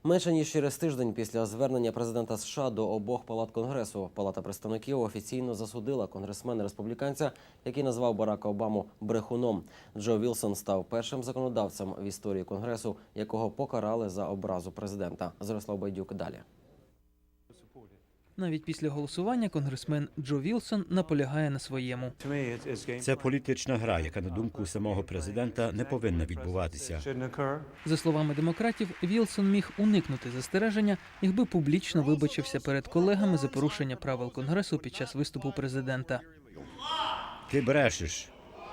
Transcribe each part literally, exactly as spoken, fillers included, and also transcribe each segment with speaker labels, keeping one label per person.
Speaker 1: Менше ніж через тиждень після звернення президента США до обох палат Конгресу, Палата представників офіційно засудила конгресмена-республіканця, який назвав Барака Обаму брехуном. Джо Вілсон став першим законодавцем в історії Конгресу, якого покарали за образу президента. Зорислав Байдюк далі.
Speaker 2: Навіть після голосування конгресмен Джо Вілсон наполягає на своєму.
Speaker 3: Це політична гра, яка, на думку самого президента, не повинна відбуватися.
Speaker 2: За словами демократів, Вілсон міг уникнути застереження, якби публічно вибачився перед колегами за порушення правил Конгресу під час виступу президента.
Speaker 3: Ти брешеш.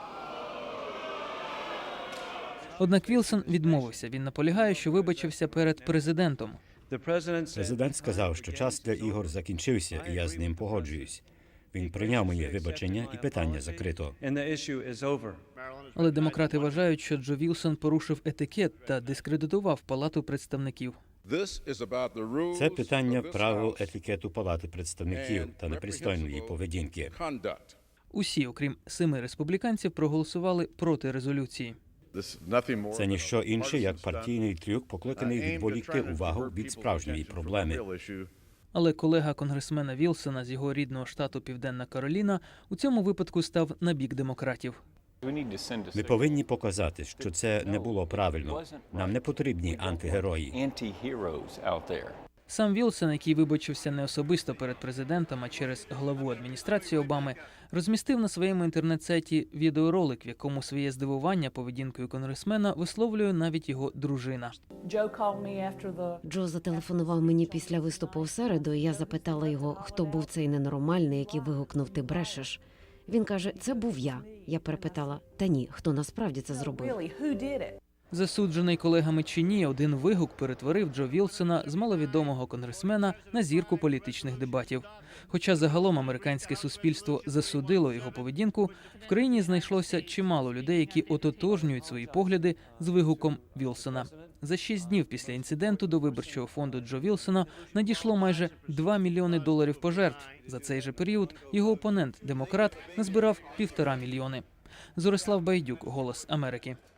Speaker 2: Однак Вілсон відмовився. Він наполягає, що вибачився перед президентом.
Speaker 3: Президент сказав, що час для ігор закінчився, і я з ним погоджуюсь. Він прийняв моє вибачення, і питання закрито.
Speaker 2: Але демократи вважають, що Джо Вілсон порушив етикет та дискредитував Палату представників.
Speaker 3: Це питання правил етикету Палати представників та непристойної поведінки.
Speaker 2: Усі, окрім семи республіканців, проголосували проти резолюції.
Speaker 3: Це ніщо інше, як партійний трюк, покликаний відволікти увагу від справжньої проблеми.
Speaker 2: Але колега конгресмена Вілсона з його рідного штату Південна Кароліна у цьому випадку став на бік демократів.
Speaker 3: Ми повинні показати, що це не було правильно. Нам не потрібні антигерої.
Speaker 2: Сам Вілсон, який вибачився не особисто перед президентом, а через главу адміністрації Обами, розмістив на своєму інтернет-сайті відеоролик, в якому своє здивування поведінкою конгресмена висловлює навіть його дружина.
Speaker 4: Джо зателефонував мені після виступу у середу, і я запитала його, хто був цей ненормальний, який вигукнув «ти брешеш». Він каже, це був я. Я перепитала, та ні, хто насправді це зробив?
Speaker 2: Засуджений колегами чи ні, один вигук перетворив Джо Вілсона з маловідомого конгресмена на зірку політичних дебатів. Хоча загалом американське суспільство засудило його поведінку, в країні знайшлося чимало людей, які ототожнюють свої погляди з вигуком Вілсона. За шість днів після інциденту до виборчого фонду Джо Вілсона надійшло майже два мільйони доларів пожертв. За цей же період його опонент, демократ, назбирав півтора мільйони. Зорислав Байдюк, «Голос Америки».